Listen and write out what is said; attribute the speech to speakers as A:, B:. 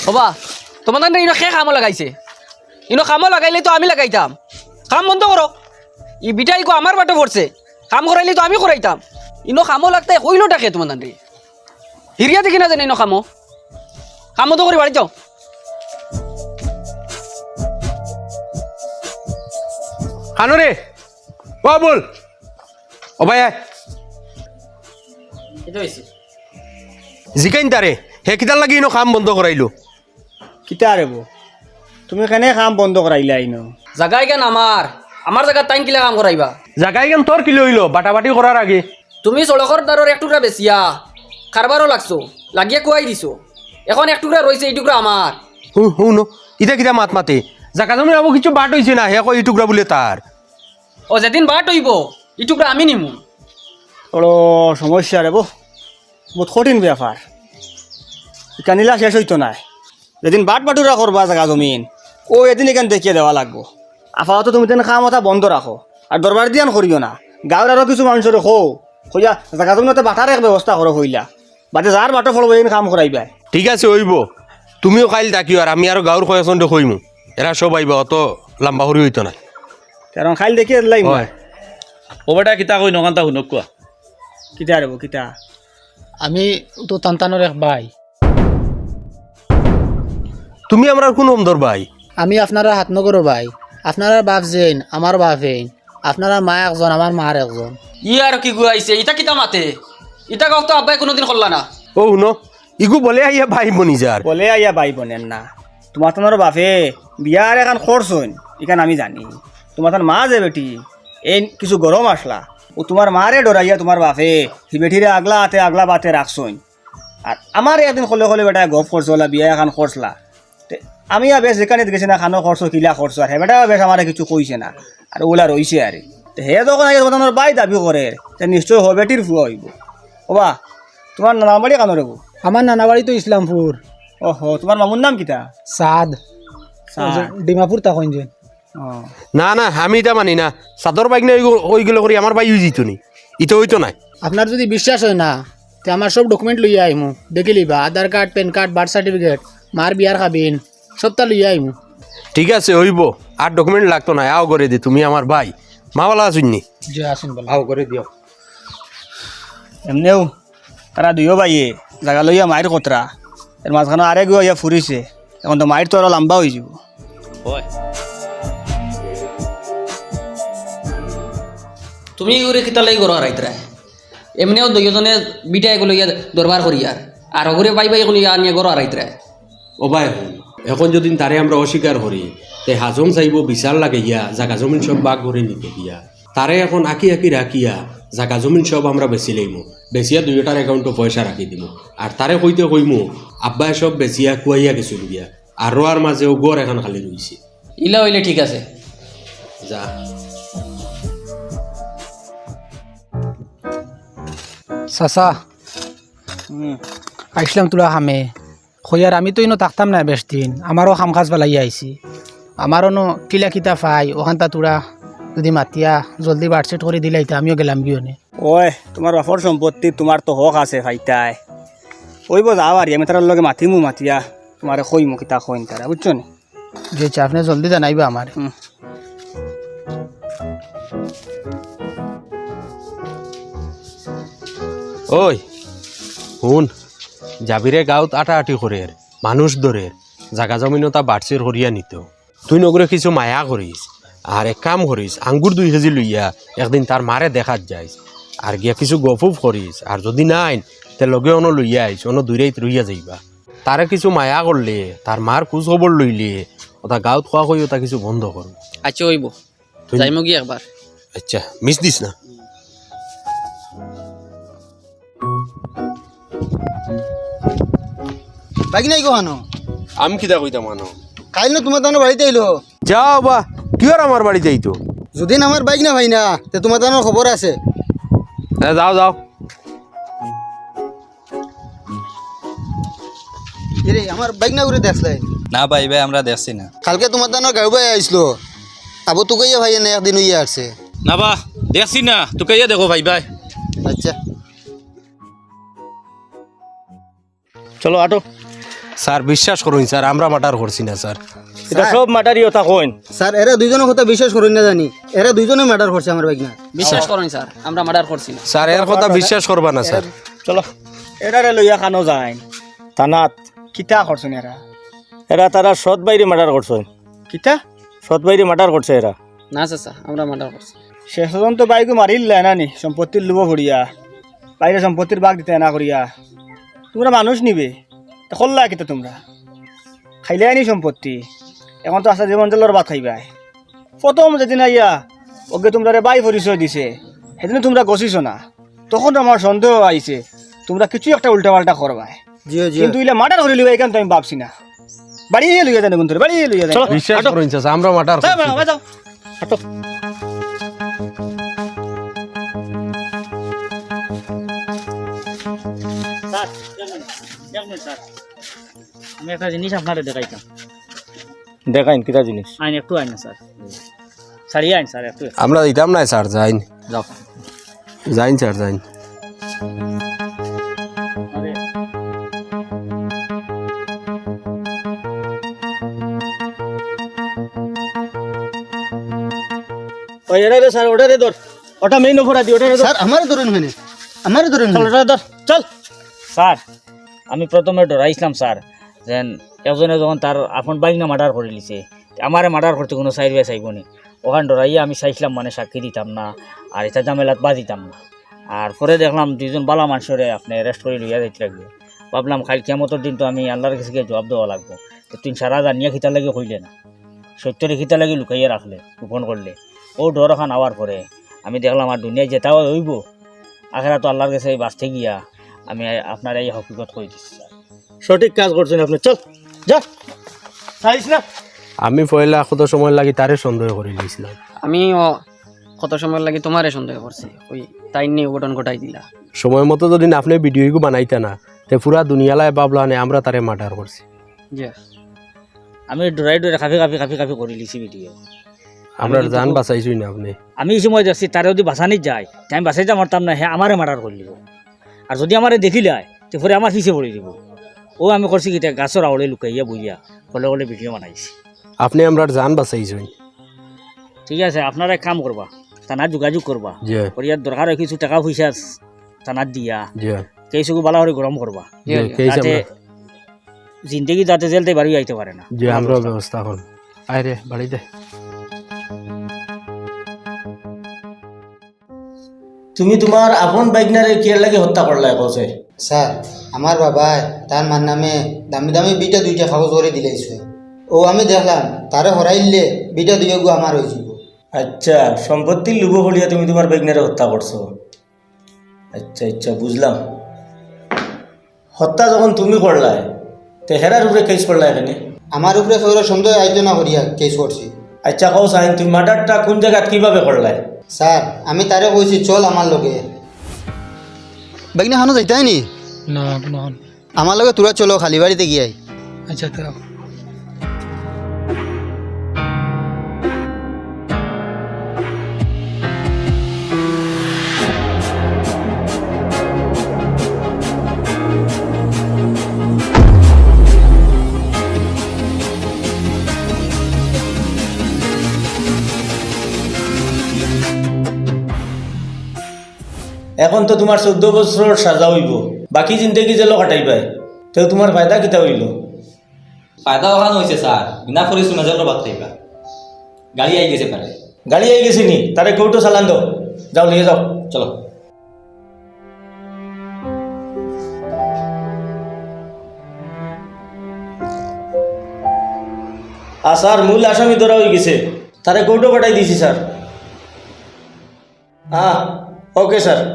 A: হবা তোমাদের ইনো খে কামো লাগাইছে ইনো কামো লাগাইলে তো আমি লাগাইতাম কাম বন্ধ করো ই বিটাই কো আমার বাটে পড়ছে কাম করাইলে তো আমি করাইতাম ইনো কামো লাগতে কইলো টাকে তোমাদের হিরিয়া দেখি না জানি ইনো কামো কাম বন্ধ করে বাড়ি যাও
B: খানো রে ও বল ও ভাই জিকাইন তারে হে কিতার লাগি ইনো কাম বন্ধ করাইলো
C: কিতা রে বো তুমি কেনে কাম বন্ধ করাইলা ইনো
A: জাগাই কেন আমার জায়গা টাইম কিলা কাম করাইবা
B: জাগাই কেন তোর কিলো হইলো বাটাবাটি করার আগে
A: তুমি সড়কর দ্বারর এক টুকরা বেচিয়া কারবারও লাগছো লাগিয়ে কুয়াই দিছো এখন এক টুকরা রয়েছে এই টুকরা আমার
B: হুন ইটা কিতা মাত মাতে জাগা জমি আবু কিছু বাট হইছে না হে কই টুকরা বলে তার
A: ও যেদিন বাট হইব এই টুকরা আমি নিমু
C: বড় সমস্যা রে বো বহুত কঠিন ব্যাপার কানিলা শেষ হইতো না যেদিন বাট বাটুরা করবা জায়গা জমিন ও এদিন এখান দেখিয়ে দেওয়া লাগবো আপাতত তুমি তেন কাম কথা বন্ধ রাখো আর দরবার দিয়ান করিও না গাঁৱৰ আরো কিছু মানুষের কইয়া জায়গা জমিনতে বাটার এক ব্যবস্থা করো হইলা বাদে যার বাটো ফলব এই কাম করাইবা
B: ঠিক আছে হইব তুমিও কাইল থাকিও আর আমি আর গাঁর কয়েকজন কইমু এরা সব আইব অত লম্বা হরি হইতো না
C: কারণ খাইল দেখিয়ে দিলাই মই
D: ওবাটা কিতা কই নকান্তা শুনক কোৱা
C: কিতা রে বো কিতা
E: আমি তো তান্তানোর এক ভাই
B: তুমি আমরা কোন অমদর ভাই
E: আমি আপনারা হাত নগরো ভাই আপনারা বাপ যেন আমার বাপ হেন আপনারা মা একজন আমার মার একজন
A: ই আর কি গুয়াইছে ইটা কিতা মাতে ইটা কাউ তো আব্বাই কোনোদিন করলা না
B: ও শুনো ইগু বলে আইয়া ভাই বনি যার
C: বলে আইয়া বাই বোনের না তোমার তোমার বাপে বিয়ার এখন খরচ হইন এখান আমি জানি তোমার তার মা যে বেটি এই কিছু গরম আসলা ও তোমার মারে ডরাইয়া তোমার বাপে সি বেটিরে আগলা বাতে রাখছইন আর আমার একদিন খলে খলে বেটা গপ করছলা বিয়া এখন খরচলা আমি আর বেশ যেখানে গেছি না খানো খরচ কিলা খরচ আর হে বেটা বেশ আমার কিছু কইছে না আর ওলা রইছে আর হে যখন আগে তোমার বাই দাবি করে নিশ্চয় হ বেটির ফুয়া হইব ওবা তোমার নাম বাড়ি কানো রেবো
E: আমার নানা বাড়ি তো ইসলামপুর
C: ওহো তোমার মামুর নাম কিতা
E: সাদ ডিমাপুর তখন যে
B: না না আমি এটা মানি না চাদর বাইক না ওই গেলে করি আমার বাই জিত নি ইতো হইতো নাই
E: আপনার যদি বিশ্বাস হয় না তো আমার সব ডকুমেন্ট লইয়া আইমু দেখে লিবা Aadhaar card PAN card birth certificate মার বিয়ার খাবিন সবটা লইয়া আইমু
B: ঠিক আছে হইব আর ডকুমেন্ট লাগতো না আও করে দি তুমি আমার ভাই মাওয়ালা আসুননি
E: যে আসুন বল
B: আও করে দিও
C: এমনিও তারা দুইও বাইয়ে জায়গা লইয়া মায়ের কতরা এর মাঝখানে আরে গিয়া ফুরিছে এখন তো মায়ের তো আরো লম্বা হয়ে যাব
A: তুমি ওরে কিতা লাগি গরো হারাইতরা এমনিও দুইজনে বিটা এগুলো ইয়া দরবার করি আর ওগুলো বাই বাই এগুলো ইয়া নিয়ে গরো হারাইতরা
B: ও ভাই এখন যদি তারে আমরা অস্বীকার করি তে হাজং চাইব বিচার লাগে ইয়া জাগা জমিন সব বাঘ করে নিতে গিয়া তারে এখন আঁকি রাখিয়া জাগা জমিন সব আমরা বেচি লইমু বেচিয়া দুইটার একাউন্টে পয়সা রাখি দিব আর তারে কইতে কইমু আব্বাই সব বেচিয়া কুয়াইয়া গেছিল গিয়া আর রোয়ার মাঝেও গড় এখন খালি রইছে
A: ইলা হইলে ঠিক আছে
B: যা
E: চাচা আইসলাম তোলা খামে খৈয়ার আমি তো ইনো থাকতাম না বেশ দিন আমারও খাম খাজ পেলাই আইছি আমারও নো কিলা কিতা পাই ওখানটা তোরা যদি মাতিয়া জলদি বার্থসেট করে দিলাইতে আমিও গেলাম বিয়নে
C: ওই তোমার বাপর সম্পত্তি তোমার তো হক আছে ভাইটাই কইব যাও আর আমি তার লগে মাতিমু মাতিয়া তোমারে কইমু কিতা কইন তারা বুঝছো নি
E: যে আপনি জলদি জানাইবা আমার
B: ওই শুন যাবিরে গাঁৱত আটি করে মানুষ ধরে জাগা জমিনও তা বাড়ছের হরিয়া নিত তুই নগরে কিছু মায়া করিস আর এক কাম করিস আঙ্গুর 2 কেজি লইয়া একদিন তার মারে দেখাত যাইস আর গিয়া কিছু গফুফ করিস আর যদি নাই তে লগে অন লইয়া আইস অন দূরেইত রইয়া যাইবা তারে কিছু মায়া করলে তার মার খোঁজ খবর লইলে ওটা গাঁৱত খোৱা কই ওটা কিছু বন্ধ কর
A: আচ্ছা হইব যাইমু কি একবার
B: আচ্ছা মিস দিস না
F: বাইক নাই কোহানো
B: আমি কিতা কইতাম মানো
F: কাইল না তোমার তানো বাড়িতে আইলো
B: যাও বা কি আর আমার বাড়ি যাইতো
F: যদি আমার বাইক না ভাই না তে তোমার তানোর খবর আছে
B: যাও যাও
F: রে আমার বাইক না ঘুরে দেখলে
G: না ভাই ভাই আমরা দেখছি না
F: কালকে তোমার তানোর গাড়ি ভাই আইসলো আবু তোকে ভাই না একদিন হইয়া আসছে
D: না বা দেখছি না তোকে ইয়ে দেখো ভাই ভাই
F: আচ্ছা
C: চলো আটো
B: স্যার বিশ্বাস করুন স্যার আমরা মার্ডার করছি না স্যার
C: এটা সব মাটারি কথা কইন
F: স্যার এরা দুইজনের কথা বিশ্বাস করুন না জানি এরা দুইজনে ম্যাটার করছে আমার বাইক না
A: বিশ্বাস করুন স্যার আমরা মার্ডার করছি না
B: স্যার এর কথা বিশ্বাস করবা না স্যার
C: চলো এরারে লইয়া খানো যায় থানাত কিতা করছেন এরা এরা তারা সৎ বাইরে মার্ডার করছেন কিতা সৎ বাইরে মার্ডার করছে এরা
A: না চাচা আমরা মার্ডার করছি
C: শেষ পর্যন্ত বাইকে মারিলে না নি সম্পত্তির লোভ করিয়া বাইরে সম্পত্তির ভাগ দিতে না করিয়া তোমরা মানুষ নিবে করলা কিতা তোমরা খাইলে আনি সম্পত্তি এখন তো আসা জীবন জলের ভাত খাইবাই প্রথম যেদিন আইয়া ওকে তোমরা বাই পরিচয় দিছে সেদিন তোমরা গছিস না তখন আমার সন্দেহ আইছে তোমরা কিছু একটা উল্টা পাল্টা করবাই
F: জিও জিও
C: কিন্তু ইলে মার্ডার করে লিবা এখান তো আমি ভাবছি না বাড়িয়ে লইয়া যান গুন্তরে বাড়িয়ে লইয়া যান
B: বিশ্বাস করুন স্যার আমরা মার্ডার করছি
C: যাও হাঁটো
H: আমি একটা জিনিস আপনারে দেখাইতাম
C: দেখাইন কিটা জিনিস
H: আইন একটু আইন না স্যার ছাড়িয়ে আইন স্যার একটু
B: আমরা দিতাম না স্যার যাইন
H: যাও
B: যাইন স্যার যাইন
C: ওই এরা রে স্যার ওটা রে ধর ওটা মেইন অফার দি ওটা রে ধর
F: স্যার আমারে ধরুন হেনে আমারে ধরুন
C: চল ওটা ধর চল
H: স্যার আমি প্রথমে ডরাইছিলাম স্যার যেন একজনে যখন তার আপন বাইক না মার্ডার করে লিছে আমারে মার্ডার করতে কোনো সাইড বাই চাইব নি ওখানে ডরাইয়া আমি চাইছিলাম মানে সাক্ষী দিতাম না আর এটা ঝামেলাত বা দিতাম না আর পরে দেখলাম দুইজন বালা মানুষরে আপনি অ্যারেস্ট করে লইয়া যাইতে লাগবে ভাবলাম খালি কেমতর দিন তো আমি আল্লাহর কাছে গিয়ে জবাব দেওয়া লাগবো তো তুই সারা জানিয়া খিতা লাগে হইলে না সত্যরে খিতা লাগে লুকাইয়া রাখলে গোপন করলে ও ডর খান আওয়ার পরে আমি দেখলাম আর দুনিয়ায় যেটাও হইব আখেরা তো আল্লাহর কাছে বাঁচতে গিয়া আমি আপনার এই হকিকত করে দিচ্ছি স্যার
C: সঠিক কাজ করছেন আপনি চল যা চাইছ না
B: আমি পয়লা কত সময় লাগি তারে সন্দেহ করে দিয়েছিলাম
A: আমিও কত সময় লাগে তোমারে সন্দেহ করছি ওই তাই নিয়ে অঘটন ঘটাই দিলা
B: সময় মতো যদি আপনি ভিডিওগু বানাইতা না তে পুরা দুনিয়ালায় বাবলা নে আমরা তারে মার্ডার করছি
A: জি
H: আমি ডরাই ডরে কাফি করে লিছি ভিডিও
B: আমরা জান বাঁচাইছই না আপনি
H: আমি এই সময় দেখছি তারে যদি বাঁচানি যায় তে আমি বাঁচাইতে পারতাম না হ্যাঁ আমারে মার্ডার করে দিব আর যদি আমারে দেখিলায় তো পরে আমার পিছিয়ে পড়ে দিব ও আমি করছি কি গাছের আওড়ে লুকাইয়া বইয়া কলে কলে ভিডিও বানাইছি
B: আপনি আমরা জান বাঁচাইছই
H: ঠিক আছে আপনারা এক কাম করবা থানার যোগাযোগ করবা
B: জি
H: করিয়ার দরকার হয় কিছু টাকা পয়সা থানার দিয়া
B: জি
H: কেসুকু বালা করে গরম করবা
B: জি কেইছে
H: যাতে জিন্দগি যাতে জেলতে বাড়ি আইতে পারে না
B: জি আমরা ব্যবস্থা করব আরে বাড়িতে
C: তুমি তোমার আপন বাইকনারে কিয়ার লাগে হত্যা করলা কছে
F: স্যার আমার বাবা তার মার নামে দামি দামি বিটা দুইটা কাগজ করে দিলাইছে ও আমি দেখলাম তারে হরাইলে বিটা দুইয়া গু আমার হয়ে যাব
C: আচ্ছা সম্পত্তির লোভ হলিয়া তুমি তোমার বাইকনারে হত্যা করছো আচ্ছা বুঝলাম হত্যা যখন তুমি করলাই তে হেরার উপরে কেস করলা এখানে
F: আমার উপরে সৌর সন্দেহ আইতো না করিয়া কেস করছি
C: আচ্ছা কও সাইন তুমি মার্ডারটা কোন জায়গাত কিভাবে করলাই
F: স্যার আমি তারে কইছি চল আমার লগে বাইকনা খানো যাইতাই নি
E: না কোনো
F: আমার লগে তোরা চলো খালি বাড়িতে গিয়াই
E: আচ্ছা তো
C: এখন তো তোমার 14 বছর সাজা হইব বাকি জিন্দগি জেল কাটাইবাই তো তোমার ফায়দা কিতা হইল
G: ফায়দা ওখানে হয়েছে স্যার বিনা পরিশ্রমে যেন বাদ থাকবা গাড়ি আই গেছে পারে
C: গাড়ি আই গেছি নি তারে কৌটো চালান দাও যাও নিয়ে যাও
G: চলো
C: স্যার মূল আসামি ধরা হয়ে গেছে তারে কৌটো পাঠাই দিছি স্যার হ্যাঁ ওকে স্যার